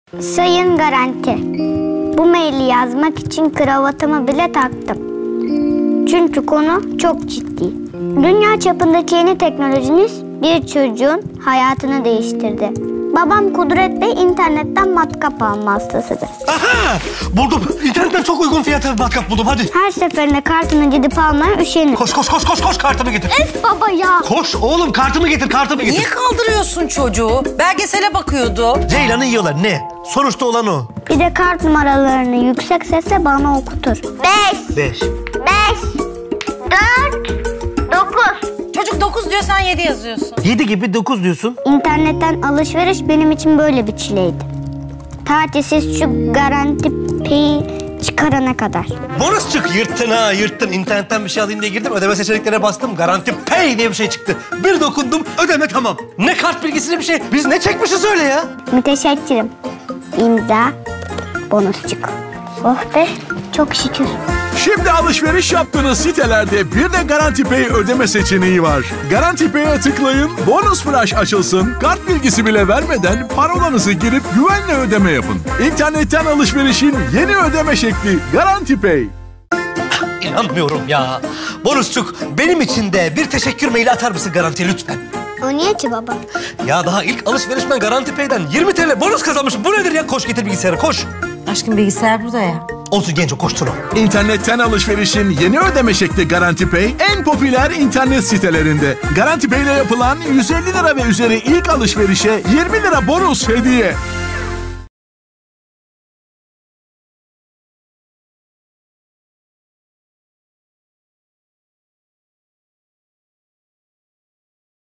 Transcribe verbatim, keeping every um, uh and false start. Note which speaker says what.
Speaker 1: Sayın Garanti, bu maili yazmak için kravatımı bile taktım. Çünkü konu çok ciddi. Dünya çapındaki yeni teknolojiniz bir çocuğun hayatını değiştirdi. Babam Kudret Bey internetten matkap alma hastasıdır.
Speaker 2: Aha! Buldum. İnternetten çok uygun fiyata matkap buldum, hadi.
Speaker 1: Her seferinde kartını gidip almaya üşenir.
Speaker 2: Koş koş koş koş koş kartımı getir.
Speaker 1: Öf baba ya.
Speaker 2: Koş oğlum, kartımı getir, kartımı getir.
Speaker 3: Niye kaldırıyorsun çocuğu? Belgesele bakıyordu.
Speaker 2: Ceylan'ı yiyorlar, ne? Sonuçta olan o.
Speaker 1: Bir de kart numaralarını yüksek sesle bana okutur. Beş.
Speaker 2: Beş.
Speaker 1: Beş. Dört. Dokuz.
Speaker 3: Çocuk dokuz diyor, sen yedi yazıyorsun.
Speaker 2: Yedi gibi dokuz diyorsun.
Speaker 1: İnternetten alışveriş benim için böyle bir çileydi. Tatilsiz şu Garanti Pay'i çıkarana kadar.
Speaker 2: Bonus çık, yırttın ha, yırttın. İnternetten bir şey alayım diye girdim, ödeme seçeneklerine bastım. Garanti Pay diye bir şey çıktı. Bir dokundum, ödeme tamam. Ne kart bilgisi ne bir şey. Biz ne çekmişiz öyle ya?
Speaker 1: Müteşekkirim. İmza, bonusçuk. Oh be, çok şükür.
Speaker 4: Şimdi alışveriş yaptığınız sitelerde bir de Garanti Pay ödeme seçeneği var. Garanti Pay'e tıklayın, bonus flash açılsın, kart bilgisi bile vermeden parolanızı girip güvenle ödeme yapın. İnternetten alışverişin yeni ödeme şekli Garanti Pay.
Speaker 2: İnanmıyorum ya. Bonusçuk, benim için de bir teşekkür maili atar mısın Garanti'ye lütfen?
Speaker 1: O niye ki baba?
Speaker 2: Ya daha ilk alışverişmen Garanti Pay'den yirmi TL bonus kazanmışım. Bu nedir ya? Koş getir bilgisayarı, koş.
Speaker 3: Aşkım bilgisayar burada ya.
Speaker 2: Olsun genco, koştur o.
Speaker 4: İnternetten alışverişin yeni ödeme şekli Garanti Pay en popüler internet sitelerinde. Garanti Pay ile yapılan yüz elli lira ve üzeri ilk alışverişe yirmi lira bonus hediye.